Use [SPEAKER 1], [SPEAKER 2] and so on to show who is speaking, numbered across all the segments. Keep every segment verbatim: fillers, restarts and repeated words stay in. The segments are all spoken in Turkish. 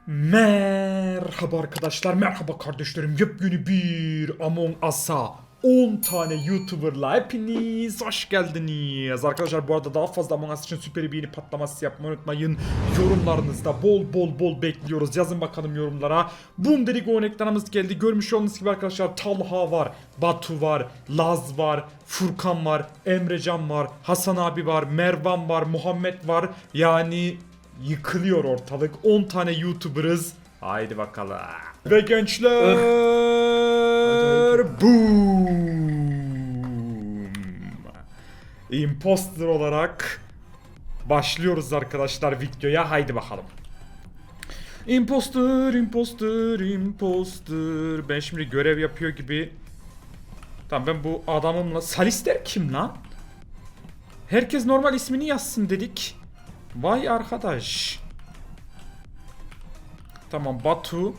[SPEAKER 1] Merhaba arkadaşlar, merhaba kardeşlerim. Yepyeni bir Among Us'a on tane YouTuber'la hepiniz hoş geldiniz. Arkadaşlar bu arada daha fazla Among Us için süper beğeni patlaması yapmayı unutmayın. Yorumlarınızda bol bol bol bekliyoruz. Yazın bakalım yorumlara. Boom dedik, o ekranımız geldi. Görmüş olduğunuz gibi arkadaşlar Talha var, Batu var, Laz var, Furkan var, Emrecan var, Hasan abi var, Mervan var, Muhammed var. Yani yıkılıyor ortalık. on tane YouTuber'ız. Haydi bakalım. Ve gençler boom. Imposter olarak başlıyoruz arkadaşlar videoya. Haydi bakalım. Imposter, imposter, imposter. Ben şimdi görev yapıyor gibi. Tamam, ben bu adamımla... Salister kim lan? Herkes normal ismini yazsın dedik. Vay arkadaş. Tamam, Batu.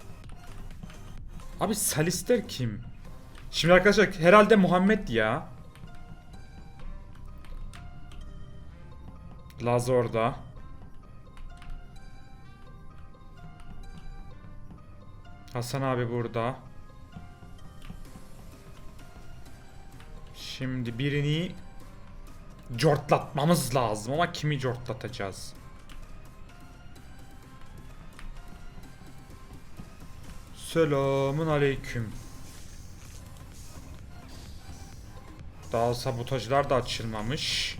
[SPEAKER 1] Abi Salister kim? Şimdi arkadaşlar herhalde Muhammed ya. Laz orada. Hasan abi burada. Şimdi birini cortlatmamız lazım ama kimi cortlatacağız? Selamun aleyküm. Daha sabotajlar da açılmamış.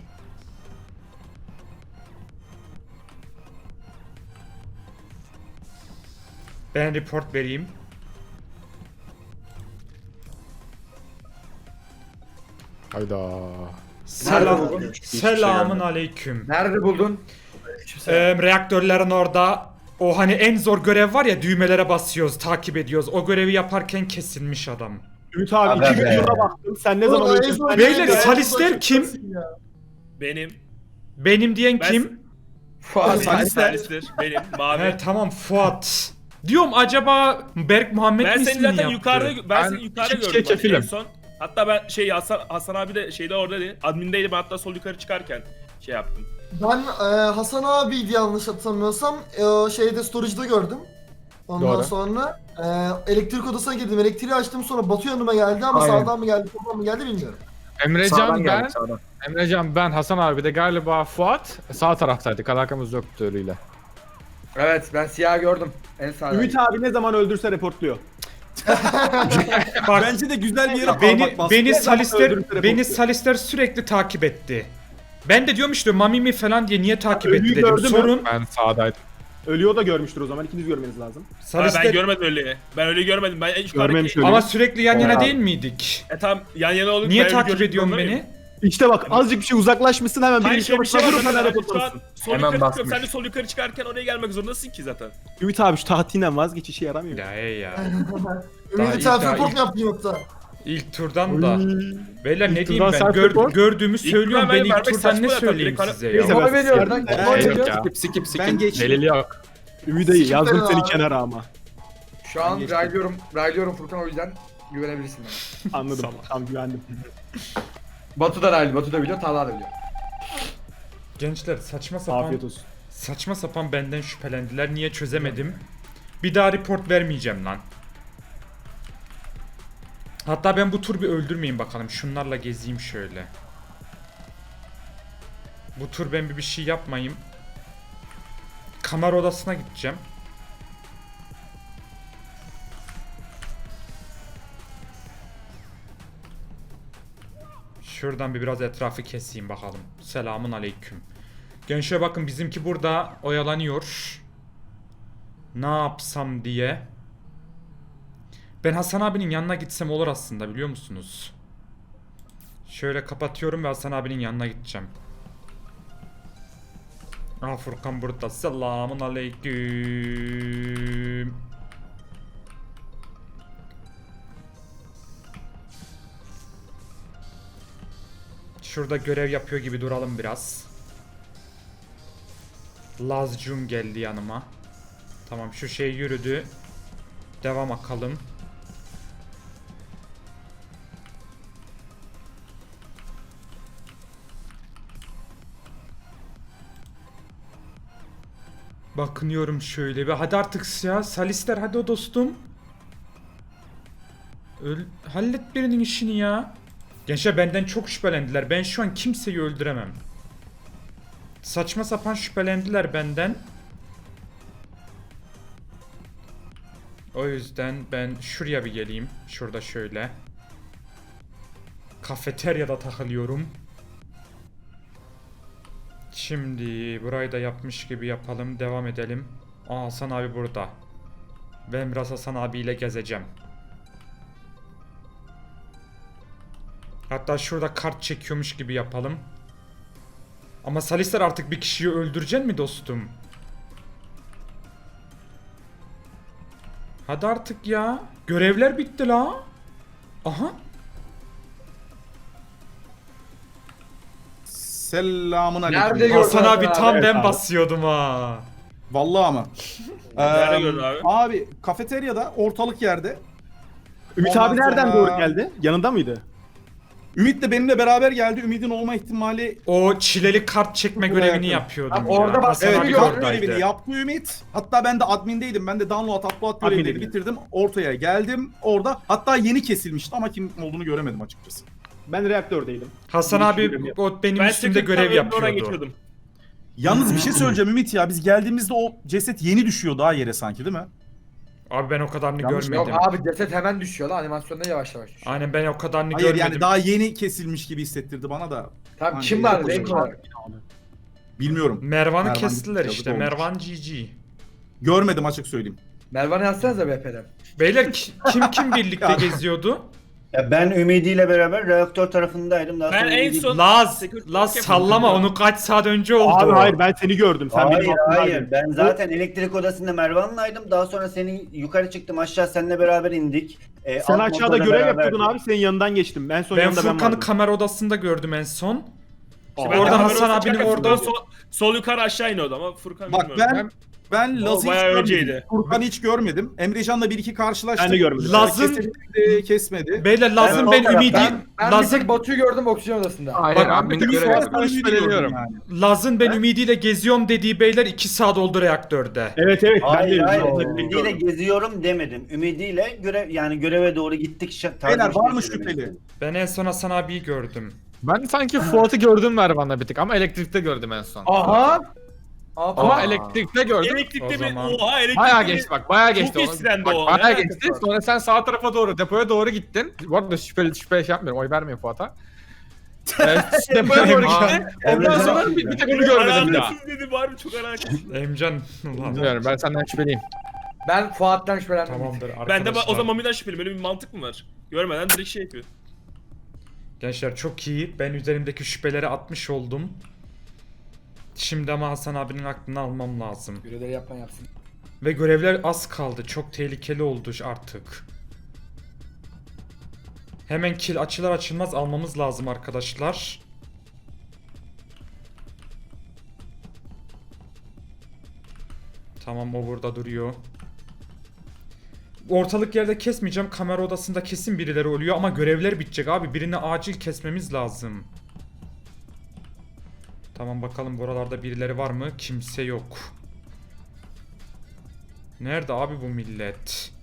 [SPEAKER 1] Ben report vereyim.
[SPEAKER 2] Hayda.
[SPEAKER 1] Selam.
[SPEAKER 3] buldun?
[SPEAKER 1] Selamun aleyküm.
[SPEAKER 3] Nerede buldun?
[SPEAKER 1] Ee, reaktörlerin orada o hani en zor görev var ya, düğmelere basıyoruz, takip ediyoruz. O görevi yaparken kesilmiş adam.
[SPEAKER 2] Ümit abi
[SPEAKER 3] Aga
[SPEAKER 2] iki
[SPEAKER 3] be.
[SPEAKER 2] videona baktım. Sen ne zaman
[SPEAKER 4] Ulan en
[SPEAKER 2] öldün?
[SPEAKER 4] son
[SPEAKER 2] Sen-
[SPEAKER 1] Beyler,
[SPEAKER 4] ben-
[SPEAKER 1] Salister
[SPEAKER 4] ben-
[SPEAKER 1] kim?
[SPEAKER 4] ya.
[SPEAKER 5] Benim.
[SPEAKER 1] Benim diyen
[SPEAKER 5] Ben-
[SPEAKER 1] kim?
[SPEAKER 3] Fuat.
[SPEAKER 5] Salister. Benim. Mavi.
[SPEAKER 1] He tamam, Fuat. Diyorum acaba Berk Muhammed
[SPEAKER 5] ben
[SPEAKER 1] mi
[SPEAKER 5] seni
[SPEAKER 1] ismini
[SPEAKER 5] zaten
[SPEAKER 1] yaptı?
[SPEAKER 5] yukarıda ben,
[SPEAKER 2] Ben
[SPEAKER 5] seni yukarıda
[SPEAKER 2] iki
[SPEAKER 5] gördüm.
[SPEAKER 2] kişiye
[SPEAKER 5] bak, en
[SPEAKER 2] kefilim.
[SPEAKER 5] son. Hatta ben şey Hasan, Hasan abi de şeyde oradaydı. Admindeydi. Ben hatta sol yukarı çıkarken şey yaptım.
[SPEAKER 4] Ben e, Hasan abiydi yanlış hatırlamıyorsam. E, şeyde storage'da gördüm. Ondan
[SPEAKER 2] Doğru.
[SPEAKER 4] sonra e, elektrik odasına girdim. Elektriği açtım, sonra Batu yanıma geldi ama
[SPEAKER 3] Aynen.
[SPEAKER 4] sağdan mı geldi, soldan mı geldi bilmiyorum.
[SPEAKER 2] Emrecan ben,
[SPEAKER 3] sağdan.
[SPEAKER 2] Emrecan ben, Hasan abi de galiba Fuat sağ taraftaydık. Alakamız yoktu öyle.
[SPEAKER 3] Evet, ben siyah gördüm. En sağda.
[SPEAKER 6] Ümit abi ne zaman öldürse reportluyor.
[SPEAKER 1] Bak,
[SPEAKER 6] Bence de güzel bir yere
[SPEAKER 1] beni
[SPEAKER 6] parmak bastı.
[SPEAKER 1] beni
[SPEAKER 6] Ne zaman
[SPEAKER 1] Salister
[SPEAKER 6] öldürürse
[SPEAKER 1] beni
[SPEAKER 6] reportluyor.
[SPEAKER 1] Salister sürekli takip etti. Ben de diyorum işte Mami mi falan diye niye takip
[SPEAKER 6] Ölüyü
[SPEAKER 1] etti dedim.
[SPEAKER 6] gördün mü?
[SPEAKER 1] Sorun
[SPEAKER 2] Ben sağdaydım.
[SPEAKER 6] Ölüyor da görmüştür o zaman. İkiniz görmeniz lazım.
[SPEAKER 5] Abi
[SPEAKER 1] Salister
[SPEAKER 5] ben görmedim öyle. Ben öyle görmedim. Ben en yukarıdaki...
[SPEAKER 6] Görmemiş öyle.
[SPEAKER 1] ama sürekli yan yana
[SPEAKER 3] Ya.
[SPEAKER 1] değil miydik?
[SPEAKER 5] E tamam yan yana olduk.
[SPEAKER 1] Niye
[SPEAKER 5] ben
[SPEAKER 1] takip
[SPEAKER 5] gördüm,
[SPEAKER 1] ediyorsun
[SPEAKER 5] anlamıyorum.
[SPEAKER 1] beni?
[SPEAKER 6] İşte bak azıcık bir şey uzaklaşmışsın hemen
[SPEAKER 5] Hayır
[SPEAKER 6] bir
[SPEAKER 5] şey bir şey var.
[SPEAKER 6] vurup
[SPEAKER 5] Sen,
[SPEAKER 6] hemen
[SPEAKER 5] şu an
[SPEAKER 6] reportlamışsın.
[SPEAKER 5] sol
[SPEAKER 3] Hemen
[SPEAKER 5] yukarı
[SPEAKER 3] basmış.
[SPEAKER 5] çıkıyorum. Sen de sol yukarı çıkarken oraya gelmek zorundasın ki zaten.
[SPEAKER 6] Ümit abi şu tahtinden vazgeç, işe yaramıyor.
[SPEAKER 1] Ya ey ya.
[SPEAKER 4] Ümidi
[SPEAKER 1] ilk-
[SPEAKER 4] self
[SPEAKER 1] daha
[SPEAKER 4] report
[SPEAKER 1] ilk-
[SPEAKER 4] mu yaptın yoksa?
[SPEAKER 1] İlk turdan da. Beyler ne
[SPEAKER 6] İlk
[SPEAKER 1] diyeyim
[SPEAKER 6] turdan
[SPEAKER 1] ben?
[SPEAKER 6] self
[SPEAKER 1] Gör-
[SPEAKER 6] report.
[SPEAKER 1] gördüğümü söylüyorum.
[SPEAKER 5] turdan
[SPEAKER 1] Ben
[SPEAKER 5] ben
[SPEAKER 1] ilk
[SPEAKER 5] vermek
[SPEAKER 1] turdan
[SPEAKER 5] saçma
[SPEAKER 1] ne
[SPEAKER 5] zaten.
[SPEAKER 1] söyleyeyim
[SPEAKER 5] Direkt
[SPEAKER 1] size
[SPEAKER 6] Neyse,
[SPEAKER 1] ya?
[SPEAKER 6] ben-
[SPEAKER 3] Oy veriyorum.
[SPEAKER 6] Nereden-
[SPEAKER 3] Oy
[SPEAKER 2] Şey yok
[SPEAKER 3] veriyorum.
[SPEAKER 2] ya.
[SPEAKER 3] Skip skip skip.
[SPEAKER 6] Ben geçtim.
[SPEAKER 2] Delili yok.
[SPEAKER 6] Ümit iyi yazdım
[SPEAKER 4] Siktir
[SPEAKER 6] seni
[SPEAKER 4] abi.
[SPEAKER 6] kenara ama.
[SPEAKER 3] Şu an
[SPEAKER 6] geçtim.
[SPEAKER 3] raylıyorum, raylıyorum Furkan, o yüzden güvenebilirsin bana.
[SPEAKER 6] Anladım. Tamam güvendim.
[SPEAKER 3] Batu da raylı, Batu da biliyor, Talha da biliyor.
[SPEAKER 1] Gençler saçma sapan
[SPEAKER 6] Afiyet olsun.
[SPEAKER 1] saçma sapan benden şüphelendiler. Niye çözemedim? Bir daha report vermeyeceğim lan. Hatta ben bu tur bir öldürmeyeyim bakalım. Şunlarla gezeyim şöyle. Bu tur ben bir bir şey yapmayayım. Kamera odasına gideceğim. Şuradan bir biraz etrafı keseyim bakalım. Selamun aleyküm. Gençler bakın, bizimki burada oyalanıyor. Ne yapsam diye. Ben Hasan abinin yanına gitsem olur aslında, biliyor musunuz? Şöyle kapatıyorum ve Hasan abinin yanına gideceğim. Aa, Furkan burada. Selamun aleyküm. Şurada görev yapıyor gibi duralım biraz. Lazcum geldi yanıma. Tamam, şu şey yürüdü. Devam bakalım. Bakınıyorum şöyle bir. Hadi artık ya. Salister hadi o dostum. Öl hallet birinin işini ya. Gençler benden çok şüphelendiler. Ben şu an kimseyi öldüremem. Saçma sapan şüphelendiler benden. O yüzden ben şuraya bir geleyim. Şurada şöyle. Kafeteryada takılıyorum. Şimdi burayı da yapmış gibi yapalım. Devam edelim. Aa, Hasan abi burada. Ben biraz Hasan abiyle gezeceğim. Hatta şurada kart çekiyormuş gibi yapalım. Ama Salister artık bir kişiyi öldürecek mi dostum? Hadi artık ya. Görevler bitti la. Aha.
[SPEAKER 7] Selamun
[SPEAKER 3] Nerede
[SPEAKER 7] aleyküm.
[SPEAKER 3] gördün
[SPEAKER 1] Hasan abi
[SPEAKER 3] abi?
[SPEAKER 1] tam
[SPEAKER 7] Evet
[SPEAKER 1] ben
[SPEAKER 7] abi.
[SPEAKER 1] basıyordum ha.
[SPEAKER 7] Vallahi ama.
[SPEAKER 5] Nerede
[SPEAKER 7] Eee,
[SPEAKER 5] gördün abi?
[SPEAKER 7] Abi kafeteryada ortalık yerde.
[SPEAKER 6] Ümit
[SPEAKER 7] Ondan
[SPEAKER 6] abi nereden
[SPEAKER 7] sonra-
[SPEAKER 6] doğru geldi? Yanında mıydı?
[SPEAKER 7] Ümit de benimle beraber geldi. Ümit'in olma ihtimali
[SPEAKER 1] O çileli kart çekme
[SPEAKER 7] Çok
[SPEAKER 1] görevini
[SPEAKER 7] yakın.
[SPEAKER 1] yapıyordum
[SPEAKER 3] Abi
[SPEAKER 1] ya.
[SPEAKER 3] orada bak-
[SPEAKER 1] Hasan
[SPEAKER 7] evet
[SPEAKER 1] abi
[SPEAKER 3] bir
[SPEAKER 7] kart
[SPEAKER 3] gördüm.
[SPEAKER 7] görevini
[SPEAKER 1] oradaydı.
[SPEAKER 7] yaptı Ümit. Hatta ben de admindeydim. Ben de download upload görevleri
[SPEAKER 6] Admindeydin.
[SPEAKER 7] bitirdim. Ortaya geldim. Orada hatta yeni kesilmişti ama kim olduğunu göremedim açıkçası.
[SPEAKER 6] Ben reaktördeydim.
[SPEAKER 1] Hasan
[SPEAKER 6] Bir
[SPEAKER 1] abi
[SPEAKER 6] görev yap-
[SPEAKER 1] o benim
[SPEAKER 5] Ben
[SPEAKER 1] üstümde
[SPEAKER 5] secret'tan
[SPEAKER 1] görev
[SPEAKER 5] önüne oradan
[SPEAKER 1] yapıyordu.
[SPEAKER 5] geçiyordum.
[SPEAKER 7] Yalnız bir şey söyleyeceğim Ümit ya. Biz geldiğimizde o ceset yeni düşüyor daha yere sanki değil mi?
[SPEAKER 1] Abi ben o kadarını
[SPEAKER 7] Yanlış mı?
[SPEAKER 3] Yok
[SPEAKER 1] görmedim.
[SPEAKER 3] abi ceset hemen düşüyor lan animasyonda yavaş yavaş düşüyor.
[SPEAKER 1] Aynen ben o kadarını
[SPEAKER 7] Hayır
[SPEAKER 1] görmedim.
[SPEAKER 7] yani daha yeni kesilmiş gibi hissettirdi bana da.
[SPEAKER 3] Tamam
[SPEAKER 7] Hani
[SPEAKER 3] kim var
[SPEAKER 7] yok
[SPEAKER 3] renk
[SPEAKER 7] hocam.
[SPEAKER 3] olarak?
[SPEAKER 7] Bilmiyorum.
[SPEAKER 1] Mervan'ı
[SPEAKER 7] Mervan
[SPEAKER 1] kestiler
[SPEAKER 7] yazık
[SPEAKER 1] işte.
[SPEAKER 7] olmuş.
[SPEAKER 1] Mervan G G.
[SPEAKER 7] Görmedim açık söyleyeyim.
[SPEAKER 3] Mervan'ı yazsanıza B P'den.
[SPEAKER 1] Beyler ki- kim kim birlikte
[SPEAKER 7] Ya.
[SPEAKER 1] geziyordu?
[SPEAKER 8] Ya ben Ümidi ile beraber reaktör tarafındaydım. Daha
[SPEAKER 5] Ben
[SPEAKER 8] sonra
[SPEAKER 5] en
[SPEAKER 8] Ümidi-
[SPEAKER 5] son-
[SPEAKER 1] Laz,
[SPEAKER 5] Security
[SPEAKER 1] Laz
[SPEAKER 5] check
[SPEAKER 1] sallama
[SPEAKER 5] yapıyordum.
[SPEAKER 1] onu kaç saat önce oldu.
[SPEAKER 6] Abi hayır ben seni gördüm. Sen
[SPEAKER 8] Hayır
[SPEAKER 6] benim altımdaydın.
[SPEAKER 8] hayır ben zaten elektrik odasında Mervan'laydım. Daha sonra seni yukarı çıktım aşağı seninle beraber indik. Ee,
[SPEAKER 6] Sen
[SPEAKER 8] alt
[SPEAKER 6] aşağıda
[SPEAKER 8] motorla
[SPEAKER 6] görev
[SPEAKER 8] beraberdik.
[SPEAKER 6] yapıyordun abi. Senin yanından geçtim. Ben son
[SPEAKER 1] Ben
[SPEAKER 6] yanında ben
[SPEAKER 1] Furkan'ı
[SPEAKER 6] vardım.
[SPEAKER 1] kamera odasında gördüm en son.
[SPEAKER 5] İşte ben
[SPEAKER 1] Oradan
[SPEAKER 5] de
[SPEAKER 1] Hasan
[SPEAKER 5] kamera
[SPEAKER 1] abinin
[SPEAKER 5] odasına
[SPEAKER 1] orada-
[SPEAKER 5] Sol, sol yukarı aşağı iniyordu ama Furkan
[SPEAKER 7] Bak
[SPEAKER 5] bilmiyorum.
[SPEAKER 7] ben ben
[SPEAKER 5] O
[SPEAKER 7] Laz'ı hiç
[SPEAKER 5] bayağı
[SPEAKER 7] görmedim.
[SPEAKER 5] önceydi.
[SPEAKER 7] Furkan'ı hiç görmedim. Emrecan'la bir iki karşılaştık.
[SPEAKER 6] Ben de görmedim.
[SPEAKER 1] Laz'ın-
[SPEAKER 7] Kesildi, kesmedi.
[SPEAKER 1] Beyler Laz'ın
[SPEAKER 8] Ben
[SPEAKER 1] ben,
[SPEAKER 8] o
[SPEAKER 1] Ümidi,
[SPEAKER 3] Ben, ben bir
[SPEAKER 1] Laz'ın
[SPEAKER 3] tek Batu'yu gördüm oksijen odasında.
[SPEAKER 2] Hayır
[SPEAKER 1] Bak,
[SPEAKER 2] abi
[SPEAKER 1] bir
[SPEAKER 2] görev
[SPEAKER 7] Sonra
[SPEAKER 2] yapıyorum.
[SPEAKER 7] sana Ümit'i gördüm
[SPEAKER 2] Şüpheleniyorum.
[SPEAKER 7] yani.
[SPEAKER 1] Laz'ın ben ümidiyle geziyorum dediği beyler iki saat oldu reaktörde.
[SPEAKER 6] Evet evet. ben
[SPEAKER 8] Hayır
[SPEAKER 6] de
[SPEAKER 8] hayır
[SPEAKER 6] yanında
[SPEAKER 8] Ümidi'yle geziyorum demedim. Ümidi'yle görev yani göreve doğru gittik. Şa-
[SPEAKER 7] Beyler
[SPEAKER 8] tarzı bir
[SPEAKER 7] var
[SPEAKER 8] şey
[SPEAKER 7] mı
[SPEAKER 8] söylemek
[SPEAKER 7] şüpheli?
[SPEAKER 8] istedim.
[SPEAKER 1] Ben en son Hasan abiyi gördüm.
[SPEAKER 2] Ben sanki Fuat'ı gördüm Mervan'la bir tık ama elektrikte gördüm en son.
[SPEAKER 3] Aha. Aa,
[SPEAKER 2] Ama
[SPEAKER 1] Aa.
[SPEAKER 2] elektrikte gördüm.
[SPEAKER 5] Elektrikte
[SPEAKER 1] O
[SPEAKER 5] bir
[SPEAKER 1] zaman-
[SPEAKER 5] oha elektrikte
[SPEAKER 2] Bayağı
[SPEAKER 5] bir-
[SPEAKER 2] geçti bak bayağı geçti.
[SPEAKER 5] Çok
[SPEAKER 2] Onu-
[SPEAKER 5] istendi
[SPEAKER 2] bak,
[SPEAKER 5] o,
[SPEAKER 2] Bayağı
[SPEAKER 5] ne
[SPEAKER 2] geçti.
[SPEAKER 5] alakası var?
[SPEAKER 2] Sonra sen sağ tarafa doğru depoya doğru gittin. Bu arada şüpheli şüpheli şey yapmıyorum. Oy vermeyin Fuat'a. Evet, depoya doğru gitti. Ondan sonra bir, bir tek onu görmedim bir daha.
[SPEAKER 5] Alakasız dedi var mı çok alakasız.
[SPEAKER 1] Emcan ulan.
[SPEAKER 2] Bilmiyorum ben senden şüpheliyim.
[SPEAKER 3] Ben Fuat'tan şüphelendim.
[SPEAKER 1] Tamamdır arkadaşlar.
[SPEAKER 5] Ben de ba- o zaman Mami'den şüpheliyim. Böyle bir mantık mı var? Görmeden direkt şey yapıyor.
[SPEAKER 1] Gençler çok iyi. Ben üzerimdeki şüpheleri atmış oldum. Şimdi ama Hasan abinin aklını almam lazım.
[SPEAKER 3] Görevleri yapman yapsın.
[SPEAKER 1] Ve görevler az kaldı. Çok tehlikeli oldu artık. Hemen kill açılır açılmaz almamız lazım arkadaşlar. Tamam o burada duruyor. Ortalık yerde kesmeyeceğim. Kamera odasında kesin birileri oluyor ama görevler bitecek abi. Birini acil kesmemiz lazım. Tamam bakalım buralarda birileri var mı? Kimse yok. Nerede abi bu millet?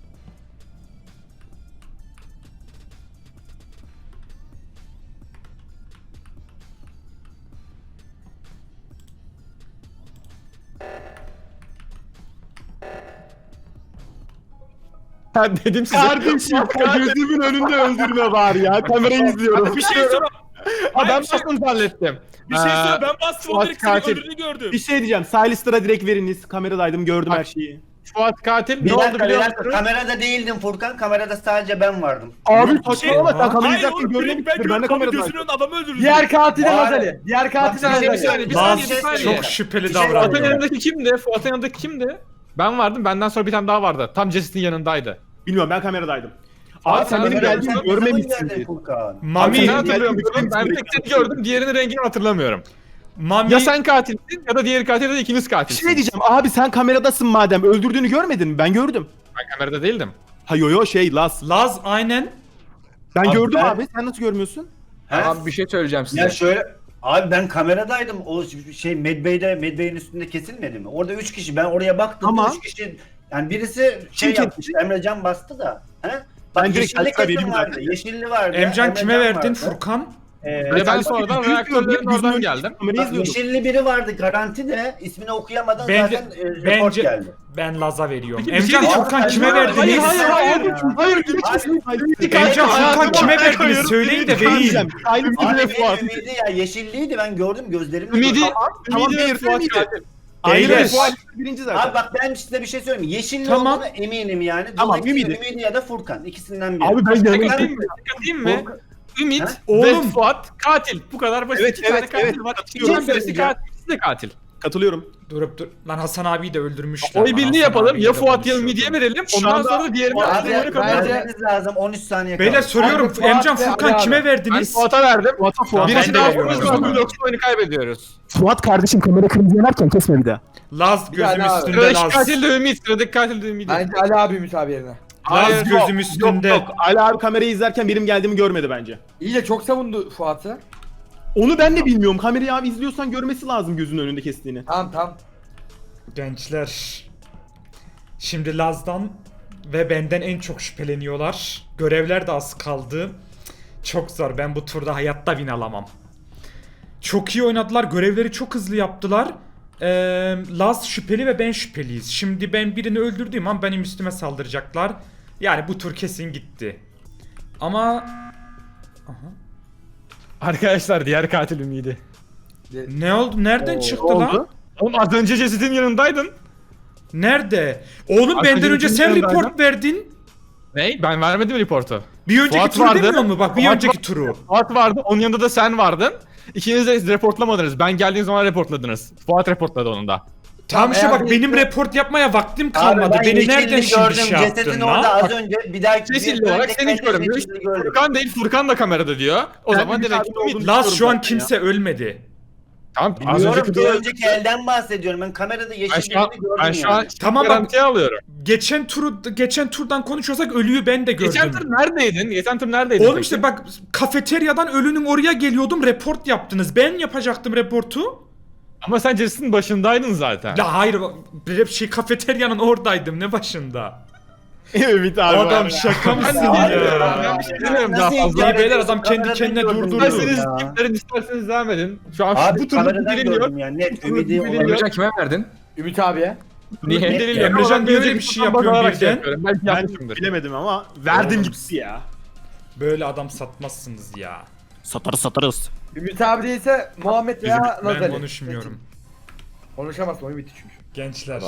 [SPEAKER 2] Ben dedim size.
[SPEAKER 6] Kardeşim gözümün önünde öldürme var ya. Kamerayı izliyorum.
[SPEAKER 5] Bir şey sor.
[SPEAKER 2] Ha, ben
[SPEAKER 5] Hayır, bir şey-
[SPEAKER 2] bastım zannettim.
[SPEAKER 5] Bir şey
[SPEAKER 2] Ee,
[SPEAKER 5] sor. Ben bastım o
[SPEAKER 2] Fuat
[SPEAKER 5] direkt seni
[SPEAKER 2] katil.
[SPEAKER 5] öldürdüğünü gördüm.
[SPEAKER 6] Bir şey diyeceğim. Silastra direkt veriniz. Kameradaydım gördüm
[SPEAKER 2] Bak.
[SPEAKER 6] her şeyi.
[SPEAKER 2] Fuat katil
[SPEAKER 8] Bir
[SPEAKER 2] ne oldu
[SPEAKER 8] dakika bir
[SPEAKER 2] biliyor
[SPEAKER 8] dakika
[SPEAKER 2] musun?
[SPEAKER 8] kamerada değildim Furkan. Kamerada sadece ben vardım.
[SPEAKER 6] Abi
[SPEAKER 5] Şey-
[SPEAKER 6] saçmalama sen
[SPEAKER 5] Hayır
[SPEAKER 6] kamerayı
[SPEAKER 5] oğlum direkt ben
[SPEAKER 6] görmemiştir. Ben de
[SPEAKER 5] gördüm.
[SPEAKER 6] kameradaydım.
[SPEAKER 5] Gözünün önünde adamı öldürdü.
[SPEAKER 3] Diğer katil de
[SPEAKER 8] Var.
[SPEAKER 3] Lazali. Diğer katil de
[SPEAKER 8] Bak,
[SPEAKER 2] Bir
[SPEAKER 3] Lazali.
[SPEAKER 2] saniye bir
[SPEAKER 8] Bazı
[SPEAKER 2] saniye bir
[SPEAKER 8] şey
[SPEAKER 2] saniye.
[SPEAKER 1] Çok şüpheli
[SPEAKER 8] Bir şey
[SPEAKER 2] Fuat'ın
[SPEAKER 1] davranıyor.
[SPEAKER 2] yanındaki kimdi? Fuat'ın yanındaki kimdi? Ben vardım. Benden sonra bir tane daha vardı. Tam Jesse'nin yanındaydı.
[SPEAKER 6] Bilmiyorum ben kameradaydım. Abi sen
[SPEAKER 2] sen
[SPEAKER 6] benim
[SPEAKER 2] kamerada-
[SPEAKER 6] geldiğimi
[SPEAKER 8] Sen ne zaman geldin
[SPEAKER 6] görmemişsindir.
[SPEAKER 8] Furkan?
[SPEAKER 1] Mami,
[SPEAKER 2] Ben
[SPEAKER 6] Sen-
[SPEAKER 2] hatırlıyorum.
[SPEAKER 6] Geldim,
[SPEAKER 2] Ben
[SPEAKER 6] geldim.
[SPEAKER 2] tek seni gördüm. Diğerinin rengini hatırlamıyorum.
[SPEAKER 1] Mami,
[SPEAKER 2] Ya sen katilsin ya da diğeri katil ya da ikiniz
[SPEAKER 6] Bir
[SPEAKER 2] katilsiniz.
[SPEAKER 6] şey diyeceğim. Abi sen kameradasın madem. Öldürdüğünü görmedin mi? Ben gördüm.
[SPEAKER 2] Ben kamerada değildim.
[SPEAKER 6] Ha yo yo şey Las.
[SPEAKER 1] Laz aynen.
[SPEAKER 6] Ben
[SPEAKER 8] Abi
[SPEAKER 6] gördüm
[SPEAKER 8] ben-
[SPEAKER 6] abi. Sen nasıl görmüyorsun?
[SPEAKER 8] He?
[SPEAKER 9] Abi bir şey söyleyeceğim size.
[SPEAKER 8] Ya şöyle Abi ben kameradaydım. O şey Medbay'de Medbay'in üstünde kesilmedi mi? Orada üç kişi. Ben oraya baktım.
[SPEAKER 7] Ama-
[SPEAKER 8] üç kişi yani birisi şey
[SPEAKER 7] Kim
[SPEAKER 8] yapmış. Emrecan bastı da. He? Bak
[SPEAKER 7] Ben direkt
[SPEAKER 8] yeşilli
[SPEAKER 7] Alper
[SPEAKER 8] kesim
[SPEAKER 7] benim
[SPEAKER 8] vardı.
[SPEAKER 7] zaten.
[SPEAKER 8] Yeşilli vardı.
[SPEAKER 1] Emcan kime
[SPEAKER 8] Emrecan
[SPEAKER 1] verdin?
[SPEAKER 8] vardı.
[SPEAKER 1] Furkan?
[SPEAKER 8] Ee,
[SPEAKER 2] Ve ben
[SPEAKER 7] Ben
[SPEAKER 2] sonradan
[SPEAKER 7] yüzünü
[SPEAKER 2] reaktörlerin
[SPEAKER 7] gördüm,
[SPEAKER 2] oradan
[SPEAKER 7] yüzünü
[SPEAKER 2] geldim.
[SPEAKER 7] Kamerayı
[SPEAKER 8] bak,
[SPEAKER 7] izliyordum.
[SPEAKER 8] yeşilli biri vardı garanti de ismini okuyamadan
[SPEAKER 1] Ben-
[SPEAKER 8] zaten e, report
[SPEAKER 1] Bence
[SPEAKER 8] geldi.
[SPEAKER 1] ben Laz'a veriyorum.
[SPEAKER 2] Peki bir şey
[SPEAKER 1] Emcan
[SPEAKER 2] diyeceğim.
[SPEAKER 1] Furkan
[SPEAKER 8] Hayır,
[SPEAKER 1] kime
[SPEAKER 8] hayır,
[SPEAKER 1] verdiniz?
[SPEAKER 2] hayır, hayır.
[SPEAKER 7] Hayır,
[SPEAKER 1] Emcan Furkan
[SPEAKER 6] Hayatımı
[SPEAKER 1] kime
[SPEAKER 6] ortaya
[SPEAKER 1] verdiniz?
[SPEAKER 6] koyuyorum.
[SPEAKER 1] Söyleyin de
[SPEAKER 6] Ümidi
[SPEAKER 1] vereyim.
[SPEAKER 6] Kancem. Aynı
[SPEAKER 8] Abi
[SPEAKER 6] Ümidi ve
[SPEAKER 8] benim
[SPEAKER 6] Fuat.
[SPEAKER 8] ümidi ya yeşilliydi ben gördüm gözlerimle.
[SPEAKER 2] Ümidi,
[SPEAKER 8] gördüm.
[SPEAKER 7] Tamam,
[SPEAKER 2] Ümidi ve
[SPEAKER 7] bir
[SPEAKER 2] Fuat
[SPEAKER 7] Ümidi.
[SPEAKER 2] katil.
[SPEAKER 7] Aynı
[SPEAKER 1] Beyler.
[SPEAKER 7] Fuat birinci zaten.
[SPEAKER 8] Abi bak ben size bir şey söyleyeyim mi? Yeşilli
[SPEAKER 1] Tamam.
[SPEAKER 8] olduğuna eminim yani.
[SPEAKER 7] Tamam,
[SPEAKER 8] Dolayısıyla
[SPEAKER 7] Ümidi.
[SPEAKER 8] Ümidi ya da Furkan ikisinden biri.
[SPEAKER 6] Abi ben
[SPEAKER 2] Tek
[SPEAKER 6] yanımda.
[SPEAKER 2] atayım mı? Tek atayım mı?
[SPEAKER 8] Furkan-
[SPEAKER 2] Ümit
[SPEAKER 8] Ha?
[SPEAKER 2] ve
[SPEAKER 1] Oğlum.
[SPEAKER 2] Fuat katil. Bu kadar basit.
[SPEAKER 7] Evet,
[SPEAKER 2] İki tane
[SPEAKER 7] evet,
[SPEAKER 2] katil
[SPEAKER 7] evet.
[SPEAKER 2] var.
[SPEAKER 7] Katılıyorum.
[SPEAKER 2] İkisinden birisi
[SPEAKER 8] Söyleyeceğim.
[SPEAKER 2] katil. İkisi de katil.
[SPEAKER 7] Katılıyorum.
[SPEAKER 1] Durup dur. Lan Hasan abiyi de öldürmüşler.
[SPEAKER 2] Oy
[SPEAKER 1] Lan
[SPEAKER 2] birliği
[SPEAKER 1] Hasan
[SPEAKER 2] yapalım.
[SPEAKER 1] abiyle
[SPEAKER 2] Ya Fuat ya
[SPEAKER 1] konuşuyordum.
[SPEAKER 2] Ümit'e verelim.
[SPEAKER 7] Şu
[SPEAKER 2] Ondan
[SPEAKER 7] anda-
[SPEAKER 2] sonra da diğerini
[SPEAKER 8] Abi,
[SPEAKER 2] atlayıp oyunu kapatırız.
[SPEAKER 3] bence-
[SPEAKER 8] vermeniz lazım on üç saniye
[SPEAKER 1] Beyler
[SPEAKER 8] kaldı.
[SPEAKER 1] soruyorum.
[SPEAKER 3] Abi, Fuat
[SPEAKER 1] Emcan
[SPEAKER 3] ve
[SPEAKER 1] Furkan
[SPEAKER 3] Ali
[SPEAKER 1] kime
[SPEAKER 3] abi.
[SPEAKER 2] Ben
[SPEAKER 1] verdiniz?
[SPEAKER 2] Fuat'a verdim.
[SPEAKER 1] Tamam,
[SPEAKER 2] Birisi
[SPEAKER 1] ben de
[SPEAKER 2] daha
[SPEAKER 1] veriyorum o
[SPEAKER 2] konuşursa
[SPEAKER 1] zaman.
[SPEAKER 2] yoksa oyunu kaybediyoruz.
[SPEAKER 6] Fuat kardeşim kamera kırmızı yanarken kesme bir daha.
[SPEAKER 1] Laz gözüm
[SPEAKER 3] Yani abi.
[SPEAKER 1] üstünde
[SPEAKER 2] Sıradaki
[SPEAKER 1] Laz.
[SPEAKER 2] katil de Ümit. Sıradaki katil de Ümit.
[SPEAKER 3] Bence Ali abi Ümit abi yerine.
[SPEAKER 1] Laz
[SPEAKER 2] Hayır,
[SPEAKER 1] gözüm üstünde.
[SPEAKER 7] Yok yok. Ali abi kamerayı izlerken benim geldiğimi görmedi bence.
[SPEAKER 3] İyi de çok savundu Fuat'ı.
[SPEAKER 7] Onu ben de bilmiyorum. Kamerayı abi izliyorsan görmesi lazım gözünün önünde kestiğini.
[SPEAKER 3] Tamam tamam.
[SPEAKER 1] Gençler. Şimdi Laz'dan ve benden en çok şüpheleniyorlar. Görevler de az kaldı. Çok zor. Ben bu turda hayatta win alamam. Çok iyi oynadılar. Görevleri çok hızlı yaptılar. Ee, Laz şüpheli ve ben şüpheliyiz. Şimdi ben birini öldürdüğüm an benim üstüme saldıracaklar. Yani bu tur kesin gitti. Ama... Aha.
[SPEAKER 2] Arkadaşlar diğer katil Ümit'i.
[SPEAKER 1] Ne oldu? Nereden çıktı lan?
[SPEAKER 2] Oğlum az önce cesedin yanındaydın.
[SPEAKER 1] Nerede? Oğlum
[SPEAKER 2] Arkadaşın
[SPEAKER 1] benden önce sen
[SPEAKER 2] yanındaydı.
[SPEAKER 1] report verdin.
[SPEAKER 2] Ney? Ben vermedim reportu.
[SPEAKER 1] Bir önceki
[SPEAKER 2] Fuat
[SPEAKER 1] turu
[SPEAKER 2] vardı.
[SPEAKER 1] demiyor mu? Bak bir
[SPEAKER 2] Fuat
[SPEAKER 1] önceki
[SPEAKER 2] var-
[SPEAKER 1] turu.
[SPEAKER 2] Fuat vardı. Onun yanında da sen vardın. İkiniz de reportlamadınız. Ben geldiğim zaman reportladınız. Fuat reportladı onu da.
[SPEAKER 1] Tamam işte
[SPEAKER 3] eğer
[SPEAKER 1] bak
[SPEAKER 3] bir-
[SPEAKER 1] benim report yapmaya vaktim
[SPEAKER 8] Abi
[SPEAKER 1] kalmadı.
[SPEAKER 8] ben
[SPEAKER 1] Beni
[SPEAKER 8] yeşilli
[SPEAKER 1] nereden şimdi
[SPEAKER 8] gördüm,
[SPEAKER 1] şey
[SPEAKER 8] cesedin
[SPEAKER 1] yaptın
[SPEAKER 8] orada
[SPEAKER 1] lan?
[SPEAKER 8] az önce bir daha
[SPEAKER 2] Yeşilli
[SPEAKER 8] bir
[SPEAKER 2] olarak
[SPEAKER 8] önceki
[SPEAKER 2] seni hiç
[SPEAKER 8] kayıtta
[SPEAKER 2] görmüyor.
[SPEAKER 8] yeşilli gördüm.
[SPEAKER 2] Furkan değil Furkan da kamerada diyor. O
[SPEAKER 7] Ben
[SPEAKER 2] zaman
[SPEAKER 7] Ümit
[SPEAKER 2] demek
[SPEAKER 7] abi
[SPEAKER 2] ki Ümit.
[SPEAKER 7] olduğunu
[SPEAKER 1] Laz şu an
[SPEAKER 7] zaten
[SPEAKER 1] kimse ölmedi.
[SPEAKER 2] Tamam az
[SPEAKER 8] Biliyorum
[SPEAKER 2] önceki
[SPEAKER 8] bir
[SPEAKER 2] durum.
[SPEAKER 8] önceki elden bahsediyorum. Ben kamerada
[SPEAKER 2] Ben
[SPEAKER 8] yeşilli
[SPEAKER 2] şu an,
[SPEAKER 8] gördüm
[SPEAKER 2] ben şu an
[SPEAKER 8] yani.
[SPEAKER 1] Tamam bak-
[SPEAKER 2] garantiye alıyorum.
[SPEAKER 1] Geçen turu geçen turdan konuşuyorsak ölüyü ben de gördüm.
[SPEAKER 2] Geçen tur neredeydin? Geçen tur neredeydin?
[SPEAKER 1] Oğlum
[SPEAKER 2] peki?
[SPEAKER 1] işte bak kafeteryadan ölünün oraya geliyordum report yaptınız. Ben yapacaktım reportu.
[SPEAKER 2] Ama sen cesedin başındaydın zaten.
[SPEAKER 1] La hayır hep şey kafeteryanın oradaydım ne başında.
[SPEAKER 6] Ümit abi.
[SPEAKER 1] Adam
[SPEAKER 6] var.
[SPEAKER 1] şaka mısın
[SPEAKER 2] Abi,
[SPEAKER 1] ya?
[SPEAKER 2] ben bir şey demiyorum daha
[SPEAKER 8] Nasıl
[SPEAKER 2] fazla.
[SPEAKER 8] inkar
[SPEAKER 1] beyler,
[SPEAKER 8] ediyorsun?
[SPEAKER 1] adam kendi
[SPEAKER 8] Kameradan
[SPEAKER 1] kendine
[SPEAKER 8] gördüm
[SPEAKER 1] durdurdu.
[SPEAKER 8] diyorum
[SPEAKER 2] İsterseniz
[SPEAKER 8] ya.
[SPEAKER 2] skiplerin isterseniz devam edin. Şu an
[SPEAKER 8] Abi
[SPEAKER 2] bu turun
[SPEAKER 8] kameradan
[SPEAKER 2] delil yok.
[SPEAKER 8] gördüm yani net. Ümidi
[SPEAKER 2] Delil
[SPEAKER 8] olabilir.
[SPEAKER 2] yok.
[SPEAKER 9] Emrecan kime verdin?
[SPEAKER 3] Ümit abiye.
[SPEAKER 2] Niye
[SPEAKER 8] Ne-
[SPEAKER 2] delil yok?
[SPEAKER 1] Emrecan
[SPEAKER 2] Ama
[SPEAKER 1] niye
[SPEAKER 2] ben
[SPEAKER 1] öyle bir
[SPEAKER 2] önceki
[SPEAKER 1] şey
[SPEAKER 2] turdan
[SPEAKER 1] yapıyor
[SPEAKER 2] bakarak
[SPEAKER 1] birden?
[SPEAKER 2] yapıyorum. Belki
[SPEAKER 7] Ben
[SPEAKER 2] yapmışımdır.
[SPEAKER 7] bilemedim ama verdim
[SPEAKER 1] Oğlum,
[SPEAKER 7] gitti ya.
[SPEAKER 1] Böyle adam satmazsınız ya.
[SPEAKER 6] Satarız satarız.
[SPEAKER 3] Ümit abi değilse Muhammed veya
[SPEAKER 1] Ben
[SPEAKER 3] Lazali.
[SPEAKER 1] konuşmuyorum.
[SPEAKER 3] Konuşamazsın o Ümit çünkü.
[SPEAKER 1] Gençler.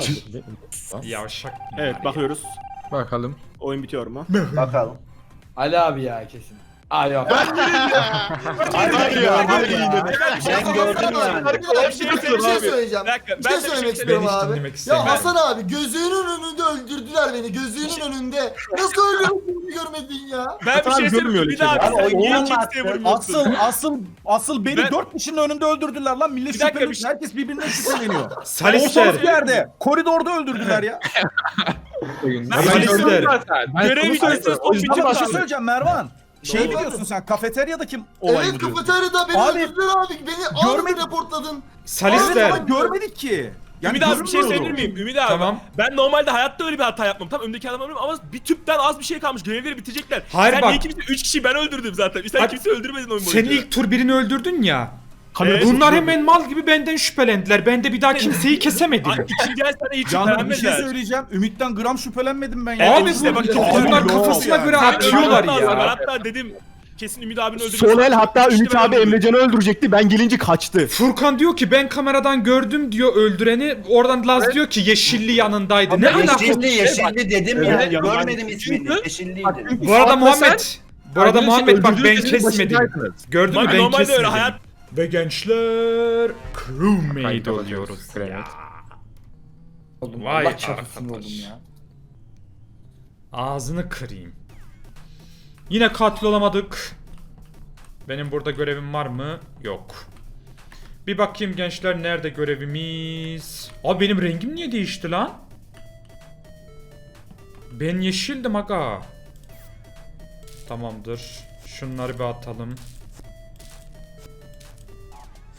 [SPEAKER 1] Yavşak.
[SPEAKER 7] Evet bakıyoruz.
[SPEAKER 2] Bakalım.
[SPEAKER 7] Oyun bitiyor mu?
[SPEAKER 8] Bakalım.
[SPEAKER 3] Ali abi ya kesin. Ali abi.
[SPEAKER 8] Abi ben gördüm ya. Ben gördüm yani.
[SPEAKER 4] Bir şey, bir şey söyleyeceğim.
[SPEAKER 5] Bir dakika,
[SPEAKER 4] Bir
[SPEAKER 5] ben
[SPEAKER 4] şey
[SPEAKER 5] de bir şey
[SPEAKER 4] söylemek
[SPEAKER 1] Ben
[SPEAKER 4] istiyorum
[SPEAKER 1] hiç
[SPEAKER 4] abi.
[SPEAKER 1] dinlemek
[SPEAKER 4] Ya
[SPEAKER 1] istemiyorum.
[SPEAKER 4] Hasan abi gözünün önünde öldürdüler beni. Gözünün önünde. Nasıl öldürdüğünü görmedin ya?
[SPEAKER 5] Ben bir
[SPEAKER 7] Abi
[SPEAKER 5] şey
[SPEAKER 7] görmüyor
[SPEAKER 5] söyleyeyim.
[SPEAKER 7] öyle
[SPEAKER 5] Bir daha
[SPEAKER 8] şeyler.
[SPEAKER 5] bir
[SPEAKER 8] Abi
[SPEAKER 5] niye
[SPEAKER 8] oyundan
[SPEAKER 5] kimseye
[SPEAKER 8] baktı.
[SPEAKER 5] vurmuyorsun?
[SPEAKER 7] Asıl asıl asıl beni
[SPEAKER 5] Ben-
[SPEAKER 7] dört kişinin önünde öldürdüler lan. Millet
[SPEAKER 5] Bir dakika,
[SPEAKER 7] şüpheli.
[SPEAKER 5] bir şey-
[SPEAKER 7] Herkes birbirinden şüpheleniyor.
[SPEAKER 1] Salister.
[SPEAKER 7] Ortalık bir yerde. Koridorda öldürdüler ya.
[SPEAKER 2] Ben
[SPEAKER 1] Salister.
[SPEAKER 2] gördüm zaten. Ben
[SPEAKER 5] Görev
[SPEAKER 2] sana
[SPEAKER 5] videosu
[SPEAKER 2] söylüyorum.
[SPEAKER 5] son
[SPEAKER 2] O yüzden
[SPEAKER 5] bitiyor
[SPEAKER 7] Ama bir şey
[SPEAKER 5] abi.
[SPEAKER 7] söyleyeceğim Mervan. Şey
[SPEAKER 4] Ne
[SPEAKER 7] biliyorsun sen kafeteryadaki olayı
[SPEAKER 4] Evet
[SPEAKER 7] biliyorsun.
[SPEAKER 4] kafeteryada beni
[SPEAKER 7] Abi,
[SPEAKER 4] öldürdüler abi. Beni
[SPEAKER 7] görmedim.
[SPEAKER 4] aldı reportladın.
[SPEAKER 7] Evet
[SPEAKER 1] Salister.
[SPEAKER 7] ama görmedik ki.
[SPEAKER 5] Ümit abi bir şey
[SPEAKER 7] görünmüyordu.
[SPEAKER 5] söyleyebilir miyim? Ümit abi.
[SPEAKER 1] Tamam.
[SPEAKER 5] Ben normalde hayatta öyle bir hata yapmam. Tam öndeki adam ölmüyorum ama bir tüpten az bir şey kalmış. Görevleri bitirecekler.
[SPEAKER 1] Hayır,
[SPEAKER 5] Sen
[SPEAKER 1] bak.
[SPEAKER 5] niye kimse? Üç kişi ben öldürdüm zaten. Sen
[SPEAKER 1] Bak,
[SPEAKER 5] kimse öldürmedin oyun
[SPEAKER 1] Sen
[SPEAKER 5] boyunca.
[SPEAKER 1] ilk tur birini öldürdün ya.
[SPEAKER 5] Evet.
[SPEAKER 1] Bunlar hemen mal gibi benden şüphelendiler. Ben de bir daha kimseyi kesemedim.
[SPEAKER 5] Ay, İkinci el sana hiç
[SPEAKER 7] Canım bir şey
[SPEAKER 5] şüphelenmediler.
[SPEAKER 7] söyleyeceğim. Ümit'ten gram şüphelenmedim ben ya.
[SPEAKER 1] Abi
[SPEAKER 5] işte
[SPEAKER 1] bu
[SPEAKER 5] bak,
[SPEAKER 1] bunlar
[SPEAKER 7] yok
[SPEAKER 1] kafasına
[SPEAKER 7] yani.
[SPEAKER 1] göre
[SPEAKER 5] Sen
[SPEAKER 1] atıyorlar
[SPEAKER 5] öldürmen lazım. Ben
[SPEAKER 1] ya.
[SPEAKER 5] hatta dedim kesin Ümit abinin öldürmesi.
[SPEAKER 6] Son el hatta
[SPEAKER 5] İşte
[SPEAKER 6] Ümit
[SPEAKER 5] ben
[SPEAKER 6] abi
[SPEAKER 5] öldürdüm.
[SPEAKER 6] Emrecan'ı öldürecekti. Ben gelince kaçtı.
[SPEAKER 1] Furkan diyor ki ben kameradan gördüm diyor öldüreni. Oradan Laz diyor ki yeşilli yanındaydı. Ne alaka?
[SPEAKER 8] Yeşilli yeşilli dedim ya.
[SPEAKER 7] Evet,
[SPEAKER 8] Görmedim
[SPEAKER 7] ben-
[SPEAKER 8] ismini.
[SPEAKER 2] Çünkü-
[SPEAKER 8] Yeşilliydi.
[SPEAKER 1] Bu arada
[SPEAKER 2] Fuat'la
[SPEAKER 1] Muhammed. Bu arada
[SPEAKER 2] Arkadaşlar
[SPEAKER 1] Muhammed bak ben
[SPEAKER 2] öldürdüğünüz cesedin
[SPEAKER 1] kesmedim.
[SPEAKER 2] başındaydınız.
[SPEAKER 1] Gördün mü
[SPEAKER 5] Bak,
[SPEAKER 1] ben
[SPEAKER 5] normalde öyle
[SPEAKER 1] kesmedim.
[SPEAKER 5] hayat.
[SPEAKER 1] Ve gençler crewmate
[SPEAKER 2] Kayıt
[SPEAKER 1] oluyoruz
[SPEAKER 2] alıyoruz.
[SPEAKER 1] ya.
[SPEAKER 3] Oldum.
[SPEAKER 1] Vay
[SPEAKER 3] Allah çarpsın
[SPEAKER 1] arkadaş.
[SPEAKER 3] oldum ya.
[SPEAKER 1] Ağzını kırayım. Yine katil olamadık. Benim burada görevim var mı? Yok. Bir bakayım gençler nerede görevimiz? Abi benim rengim niye değişti lan? Ben yeşildim aga. Tamamdır. Şunları bir atalım.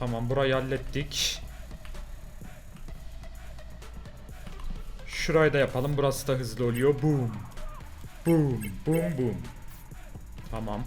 [SPEAKER 1] Tamam, burayı hallettik. Şurayı da yapalım. Burası da hızlı oluyor. Boom. Boom. Boom boom. Tamam.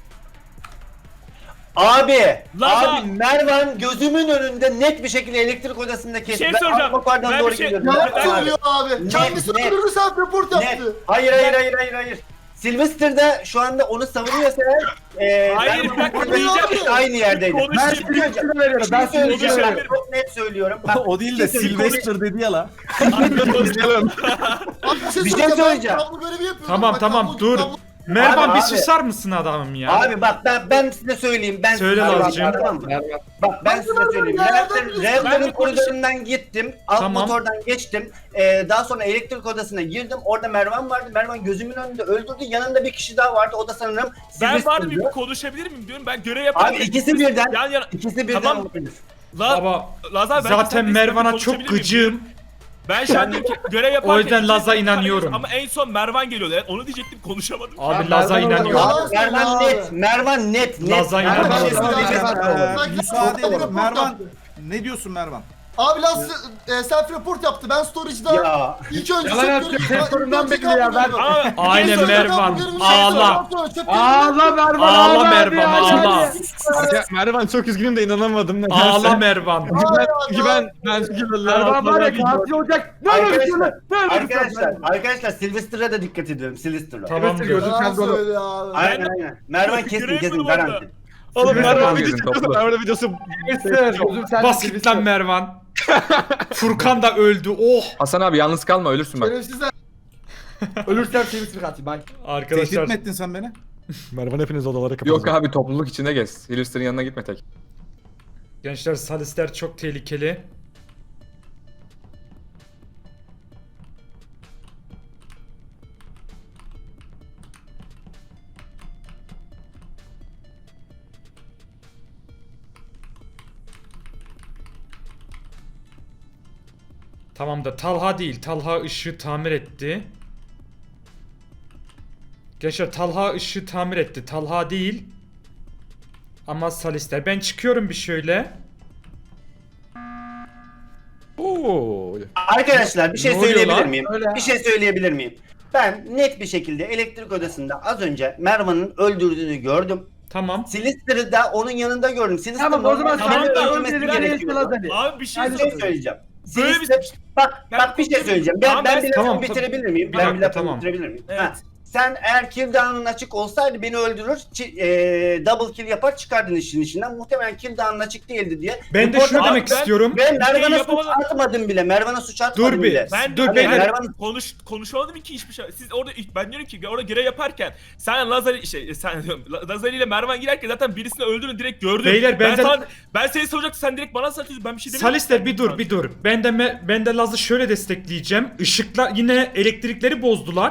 [SPEAKER 8] Abi,
[SPEAKER 5] Laza-
[SPEAKER 8] abi Mervan gözümün önünde net bir şekilde elektrik odasında kesti.
[SPEAKER 5] şey
[SPEAKER 8] Ben
[SPEAKER 5] soracağım.
[SPEAKER 8] Akbakar'dan
[SPEAKER 5] Ben
[SPEAKER 8] doğru
[SPEAKER 5] bir şey-
[SPEAKER 8] gidiyorum.
[SPEAKER 4] Yalan
[SPEAKER 8] Mervan abi.
[SPEAKER 4] söylüyor abi.
[SPEAKER 8] Net,
[SPEAKER 4] Kendisi
[SPEAKER 8] net.
[SPEAKER 4] öldürdü self report
[SPEAKER 8] Net.
[SPEAKER 4] yaptı.
[SPEAKER 8] Hayır hayır hayır hayır hayır. Sylvester de şu anda onu savunuyorsa eğer e,
[SPEAKER 5] Hayır,
[SPEAKER 8] Mervan
[SPEAKER 5] bir dakika,
[SPEAKER 8] burada
[SPEAKER 5] diyeceğim.
[SPEAKER 8] ikisi aynı yerdeydi.
[SPEAKER 5] Konuş-
[SPEAKER 8] Ben söyleyeceğim.
[SPEAKER 3] veriyorum. Ben
[SPEAKER 8] Ben söyleyeceğim.
[SPEAKER 5] konuşuyorum.
[SPEAKER 8] Ben çok net söylüyorum. Bak,
[SPEAKER 7] O değil de
[SPEAKER 8] bir şey söyleyeyim.
[SPEAKER 7] Sylvester dedi ya la.
[SPEAKER 4] Abi bir şey
[SPEAKER 8] Bir şey
[SPEAKER 4] söyleyeceğim. Ben
[SPEAKER 8] söyleyeceğim.
[SPEAKER 4] kablo görevi yapıyorum.
[SPEAKER 1] Tamam
[SPEAKER 4] Bak,
[SPEAKER 1] tamam
[SPEAKER 4] kablo-
[SPEAKER 1] dur.
[SPEAKER 4] kablo-
[SPEAKER 1] Mervan
[SPEAKER 8] Abi,
[SPEAKER 1] bir
[SPEAKER 8] abi.
[SPEAKER 1] susar mısın adamım ya?
[SPEAKER 8] Abi bak ben ben size söyleyeyim. Ben
[SPEAKER 1] Söyle
[SPEAKER 8] size
[SPEAKER 1] Lazcığım.
[SPEAKER 8] Tamam mı? Bak ben
[SPEAKER 4] Ben
[SPEAKER 8] size
[SPEAKER 4] de
[SPEAKER 8] söyleyeyim.
[SPEAKER 4] ya,
[SPEAKER 8] Reaktor-
[SPEAKER 4] ben de-
[SPEAKER 8] Reaktörün
[SPEAKER 5] Ben de
[SPEAKER 8] koridorundan gittim. Alt
[SPEAKER 1] Tamam.
[SPEAKER 8] motordan geçtim. Ee, daha sonra elektrik odasına girdim. Orada Mervan vardı. Mervan gözümün önünde öldürdü. Yanında bir kişi daha vardı. O da sanırım
[SPEAKER 5] Ben var
[SPEAKER 8] Sylvester'dı.
[SPEAKER 5] bir konuşabilir miyim diyorum. Ben görev yaparken...
[SPEAKER 8] Abi ikisi birden.
[SPEAKER 5] Yan yana...
[SPEAKER 8] İkisi birden
[SPEAKER 5] Tamam.
[SPEAKER 8] olabilir.
[SPEAKER 5] La,
[SPEAKER 1] Baba
[SPEAKER 5] Lazar, ben
[SPEAKER 1] zaten
[SPEAKER 5] sen de
[SPEAKER 1] Mervan'a
[SPEAKER 5] istersen
[SPEAKER 1] çok
[SPEAKER 5] konuşabilir miyim?
[SPEAKER 1] gıcığım.
[SPEAKER 5] Ben şu an diyorum ki görev yaparken...
[SPEAKER 1] O yüzden Laz'a
[SPEAKER 5] ikisi-
[SPEAKER 1] inanıyorum.
[SPEAKER 5] Ama en son Mervan geliyordu. Yani onu diyecektim, konuşamadım.
[SPEAKER 1] Abi
[SPEAKER 3] Ben
[SPEAKER 1] Laz'a
[SPEAKER 3] Mervan'a
[SPEAKER 1] inanıyorum.
[SPEAKER 4] Yalan söylüyor
[SPEAKER 8] Mervan
[SPEAKER 4] abi.
[SPEAKER 8] net. Mervan net. net.
[SPEAKER 1] Laz'a
[SPEAKER 8] Mervan
[SPEAKER 1] inanıyorum.
[SPEAKER 8] bir şey söyleyeceğim.
[SPEAKER 7] Ee,
[SPEAKER 4] Bak,
[SPEAKER 7] müsaade
[SPEAKER 4] self
[SPEAKER 7] edin.
[SPEAKER 4] report
[SPEAKER 7] Mervan
[SPEAKER 4] yaptı.
[SPEAKER 7] ne diyorsun Mervan?
[SPEAKER 4] Abi Laz e, self report yaptı. Ben storage'da
[SPEAKER 8] Ya.
[SPEAKER 4] ilk önce
[SPEAKER 3] Yalan
[SPEAKER 4] çöp
[SPEAKER 3] atıyor,
[SPEAKER 4] görevi-
[SPEAKER 3] sektöründen
[SPEAKER 4] ilk önce
[SPEAKER 3] belli ya,
[SPEAKER 4] kablo
[SPEAKER 3] ben-
[SPEAKER 4] görevi.
[SPEAKER 5] Ama
[SPEAKER 1] Aynen
[SPEAKER 4] İlk önce
[SPEAKER 1] Mervan.
[SPEAKER 4] kablo görevi-
[SPEAKER 1] Ağla.
[SPEAKER 4] Sonra çöp görevi-
[SPEAKER 3] Ağla Mervan.
[SPEAKER 1] Ağla
[SPEAKER 3] abi
[SPEAKER 1] Mervan
[SPEAKER 3] ya.
[SPEAKER 1] ağla.
[SPEAKER 2] Ya, Mervan çok üzgünüm de inanamadım. Nedense.
[SPEAKER 1] Ağla Mervan.
[SPEAKER 2] Çünkü ben, çünkü ben, ben çünkü ben,
[SPEAKER 3] Mervan var ya katil olacak. Ne
[SPEAKER 8] Arkadaşlar,
[SPEAKER 3] olur
[SPEAKER 8] arkadaşlar, arkadaşlar Sylvester'a da dikkat ediyorum. Sylvester'a.
[SPEAKER 1] Tamamdır.
[SPEAKER 4] Yalan söylüyor abi.
[SPEAKER 8] Aynen aynen. Mervan kesin
[SPEAKER 5] Görev
[SPEAKER 8] kesin
[SPEAKER 5] mi var
[SPEAKER 8] garanti.
[SPEAKER 2] Oğlum Mervan
[SPEAKER 6] Mervan
[SPEAKER 2] video
[SPEAKER 6] gözün
[SPEAKER 2] çekiyorsun.
[SPEAKER 6] toplu.
[SPEAKER 2] Mervan videosu.
[SPEAKER 3] Gözüm sende.
[SPEAKER 1] Bas git lan Mervan. Furkan da öldü. Oh.
[SPEAKER 6] Hasan abi yalnız kalma ölürsün bak.
[SPEAKER 4] Şerefsizler.
[SPEAKER 3] Ölürsem Sylvester katil. Bye.
[SPEAKER 7] Tehdit
[SPEAKER 1] Arkadaşlar
[SPEAKER 7] mi ettin sen beni?
[SPEAKER 2] Mervan hepiniz odalara kapatın.
[SPEAKER 6] Yok abi topluluk içinde gez. Hillister'ın yanına gitme tek.
[SPEAKER 1] gençler Salister çok tehlikeli. Tamam da Talha değil. Talha ışığı tamir etti. Gençler Talha ışığı tamir etti. Talha değil. Ama Salister. Ben çıkıyorum bir şöyle.
[SPEAKER 2] Oo.
[SPEAKER 8] Arkadaşlar bir şey
[SPEAKER 1] Ne oluyor
[SPEAKER 8] söyleyebilir
[SPEAKER 1] lan?
[SPEAKER 8] miyim?
[SPEAKER 3] Öyle.
[SPEAKER 8] Bir şey söyleyebilir miyim? Ben net bir şekilde elektrik odasında az önce Mervan'ın öldürdüğünü gördüm.
[SPEAKER 1] Tamam.
[SPEAKER 8] Sylvester'ı da onun yanında gördüm. Sylvester
[SPEAKER 3] Tamam o zaman
[SPEAKER 5] Tamam
[SPEAKER 3] sen
[SPEAKER 5] da
[SPEAKER 3] de
[SPEAKER 8] öldürmesi
[SPEAKER 3] öldürülen
[SPEAKER 8] gerekiyor.
[SPEAKER 3] Lazali.
[SPEAKER 5] abi bir şey
[SPEAKER 8] Bir şey
[SPEAKER 5] söyleyeyim.
[SPEAKER 8] söyleyeceğim.
[SPEAKER 5] Böyle bir-
[SPEAKER 8] Sylvester, bak
[SPEAKER 5] Ben
[SPEAKER 8] bak bir şey söyleyeceğim. Ben
[SPEAKER 5] Tamam,
[SPEAKER 8] ben
[SPEAKER 5] ben-
[SPEAKER 8] bir lafımı
[SPEAKER 1] tamam,
[SPEAKER 8] bitirebilir miyim?
[SPEAKER 1] bir
[SPEAKER 8] ben
[SPEAKER 1] dakika,
[SPEAKER 8] bir lafımı
[SPEAKER 1] tamam.
[SPEAKER 8] bitirebilir miyim?
[SPEAKER 5] Evet.
[SPEAKER 8] Ha. Sen eğer kill down'un açık olsaydı beni öldürür, çi- e, double kill yapar çıkardın işin içinden. Muhtemelen kill down'un açık değildi diye.
[SPEAKER 1] Ben de
[SPEAKER 8] Report-
[SPEAKER 1] şunu
[SPEAKER 5] Abi
[SPEAKER 1] demek
[SPEAKER 5] ben-
[SPEAKER 1] istiyorum.
[SPEAKER 8] Ben
[SPEAKER 5] şey
[SPEAKER 8] Mervan'a suç
[SPEAKER 5] yapamadım.
[SPEAKER 8] atmadım bile. Mervan'a suç atmadım
[SPEAKER 1] Dur bir.
[SPEAKER 8] bile.
[SPEAKER 5] Ben
[SPEAKER 1] Dur
[SPEAKER 5] Dur,
[SPEAKER 1] beyler.
[SPEAKER 8] Mervan
[SPEAKER 5] konuş konuşamadım ki hiçbir şey. Siz orada ben diyorum ki orada görev yaparken sen Lazari şey sen diyorum Lazari ile Mervan girerken zaten birisini öldürdün direkt gördüm.
[SPEAKER 1] Beyler,
[SPEAKER 5] ben
[SPEAKER 1] benden-
[SPEAKER 5] sana, ben seni soracaktım sen direkt bana satıyorsun. Ben bir şey demiyorum.
[SPEAKER 1] Salister bir dur bir dur. Ben de me- ben de Laz'ı şöyle destekleyeceğim. Işıklar yine elektrikleri bozdular.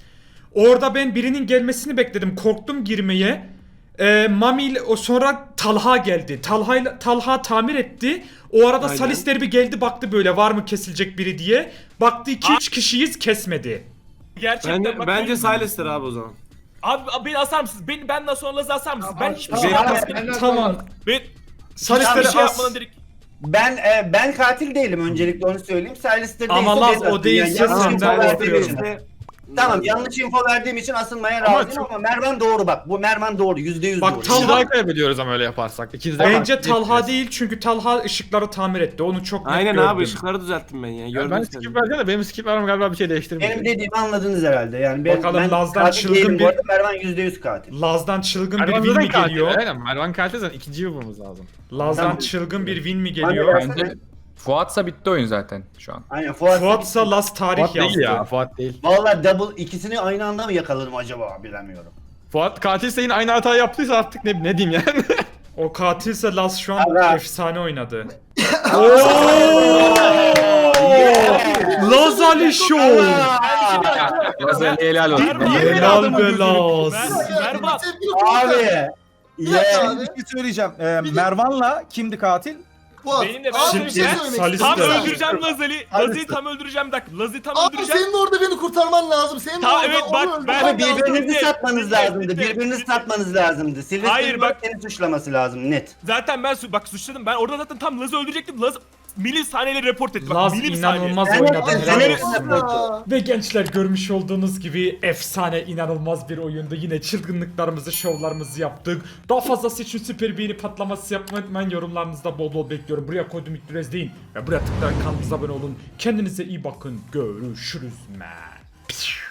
[SPEAKER 1] Orada ben birinin gelmesini bekledim. Korktum girmeye. Ee, Mami ile o sonra Talha geldi. Talha ile- Talha tamir etti. O arada
[SPEAKER 6] Aynen.
[SPEAKER 1] Salister bir geldi baktı böyle var mı kesilecek biri diye. Baktı iki üç kişiyiz kesmedi.
[SPEAKER 5] Gerçekten
[SPEAKER 9] Bence,
[SPEAKER 5] bak,
[SPEAKER 9] bence
[SPEAKER 5] ben-
[SPEAKER 9] Silas'tır abi o zaman.
[SPEAKER 5] Abi, abi beni asar mısınız? Beni benden sonra Laz'ı asar mısınız? Ben hiçbir şey
[SPEAKER 9] Ben-
[SPEAKER 5] yapmadım.
[SPEAKER 1] Tamam.
[SPEAKER 5] Ben
[SPEAKER 1] Salister'i
[SPEAKER 5] hiçbir şey
[SPEAKER 1] as.
[SPEAKER 5] yapmadan direkt
[SPEAKER 8] Ben e, ben katil değilim öncelikle onu söyleyeyim. Sylvester
[SPEAKER 1] Ama
[SPEAKER 8] değilse
[SPEAKER 1] Laz
[SPEAKER 8] ben
[SPEAKER 1] o
[SPEAKER 8] asıyorum.
[SPEAKER 1] değilse
[SPEAKER 8] yanlış
[SPEAKER 1] senden
[SPEAKER 8] info
[SPEAKER 9] Silas
[SPEAKER 8] verdiğim
[SPEAKER 1] korkuyorum.
[SPEAKER 8] için-
[SPEAKER 9] değilse-
[SPEAKER 8] Tamam yanlış info verdiğim için asılmaya
[SPEAKER 2] Ama
[SPEAKER 8] razıyım
[SPEAKER 2] çok-
[SPEAKER 8] ama Mervan doğru bak. Bu Mervan doğru. Yüzde yüz
[SPEAKER 1] Bak,
[SPEAKER 8] doğru.
[SPEAKER 1] Talha-
[SPEAKER 2] İkisi daha kaybediyoruz ama öyle yaparsak. İkisi de
[SPEAKER 1] Bence Talha değil çünkü Talha ışıkları tamir etti. Onu çok net
[SPEAKER 9] Aynen
[SPEAKER 1] gördüm.
[SPEAKER 9] abi ışıkları düzelttim ben ya.
[SPEAKER 2] Yani
[SPEAKER 9] Gördüm
[SPEAKER 2] ben
[SPEAKER 9] seni.
[SPEAKER 2] skip vereceğim de benim skip vermem galiba bir şey değiştirmeyecek.
[SPEAKER 8] Benim dediğimi anladınız herhalde. Yani ben,
[SPEAKER 1] Bakalım
[SPEAKER 8] ben
[SPEAKER 1] Laz'dan
[SPEAKER 8] katil
[SPEAKER 1] çılgın
[SPEAKER 8] değilim
[SPEAKER 1] bir-
[SPEAKER 8] bu arada. Mervan yüzde yüz katil.
[SPEAKER 1] Laz'dan çılgın bir
[SPEAKER 2] Mervan
[SPEAKER 1] win
[SPEAKER 2] zaten
[SPEAKER 1] mi
[SPEAKER 2] katil.
[SPEAKER 1] geliyor?
[SPEAKER 2] Aynen Mervan katil zaten ikinciyi bulmamız lazım.
[SPEAKER 1] Laz'dan
[SPEAKER 8] Tamam.
[SPEAKER 1] çılgın bir win mi
[SPEAKER 8] Ben de
[SPEAKER 1] geliyor?
[SPEAKER 8] versene.
[SPEAKER 6] Bence Fuat'sa bitti oyun zaten şu an.
[SPEAKER 8] Aynen Fuat.
[SPEAKER 1] Fuat'sa Laz tarih
[SPEAKER 2] Fuat değil
[SPEAKER 1] yazdı.
[SPEAKER 2] ya Fuat değil.
[SPEAKER 8] Valla double ikisini aynı anda mı yakaladım acaba bilemiyorum.
[SPEAKER 2] Fuat katilse yine aynı hatayı yaptıysa artık ne, ne diyeyim yani.
[SPEAKER 1] O katilse Laz şu an
[SPEAKER 8] Allah.
[SPEAKER 1] efsane oynadı. Ooo! Laz Ali Show!
[SPEAKER 6] Lazer'le helal olsun.
[SPEAKER 1] Helal be Laz.
[SPEAKER 5] Mer- Mervan
[SPEAKER 4] Sevgili Furkan.
[SPEAKER 8] Abi.
[SPEAKER 4] Bir dakika
[SPEAKER 8] Yeah.
[SPEAKER 4] abi.
[SPEAKER 7] Bir şey söyleyeceğim. Ee, Mervan'la kimdi katil?
[SPEAKER 4] Fuat,
[SPEAKER 5] Benim de ben
[SPEAKER 4] abi
[SPEAKER 5] söyleyeyim.
[SPEAKER 4] bir şey
[SPEAKER 5] Ben
[SPEAKER 4] söylemek
[SPEAKER 1] Salih
[SPEAKER 4] istiyorum.
[SPEAKER 5] Tam
[SPEAKER 1] Salih.
[SPEAKER 5] öldüreceğim Lazali. Lazali'yi tam öldüreceğim. Bir dakika. Lazali'yi tam
[SPEAKER 4] Abi
[SPEAKER 5] öldüreceğim.
[SPEAKER 4] senin orada beni kurtarman lazım. Senin
[SPEAKER 5] Ta-
[SPEAKER 4] orada
[SPEAKER 5] evet,
[SPEAKER 4] onu
[SPEAKER 5] bak,
[SPEAKER 4] öldürmen
[SPEAKER 5] ben-
[SPEAKER 8] Ama
[SPEAKER 4] lazım.
[SPEAKER 8] birbirinizi
[SPEAKER 5] Dinle,
[SPEAKER 8] satmanız
[SPEAKER 5] dinle,
[SPEAKER 8] lazımdı.
[SPEAKER 5] dinle,
[SPEAKER 8] Birbirinizi
[SPEAKER 5] dinle.
[SPEAKER 8] satmanız lazımdı.
[SPEAKER 5] Hayır,
[SPEAKER 8] Silvester'ın
[SPEAKER 5] bak-
[SPEAKER 8] seni suçlaması lazım net.
[SPEAKER 5] Zaten ben su- bak suçladım. Ben orada zaten tam Laz'ı öldürecektim. Laz milim saniyeyle report etti. Bak
[SPEAKER 1] Laz
[SPEAKER 5] milim saniye.
[SPEAKER 1] inanılmaz
[SPEAKER 8] Ben
[SPEAKER 1] oynadı.
[SPEAKER 8] yaptım,
[SPEAKER 1] helal
[SPEAKER 8] ben
[SPEAKER 1] olsun.
[SPEAKER 8] yaptım.
[SPEAKER 4] Ya.
[SPEAKER 1] Ve gençler görmüş olduğunuz gibi efsane inanılmaz bir oyundu. Yine çılgınlıklarımızı, şovlarımızı yaptık. Daha fazlası için süper beğeni patlaması yapmayı unutmayın. Yorumlarınızda bol bol bekliyorum. Buraya koydum ilk deyin ve buraya tıklayarak kanalımıza abone olun. Kendinize iyi bakın. Görüşürüz man.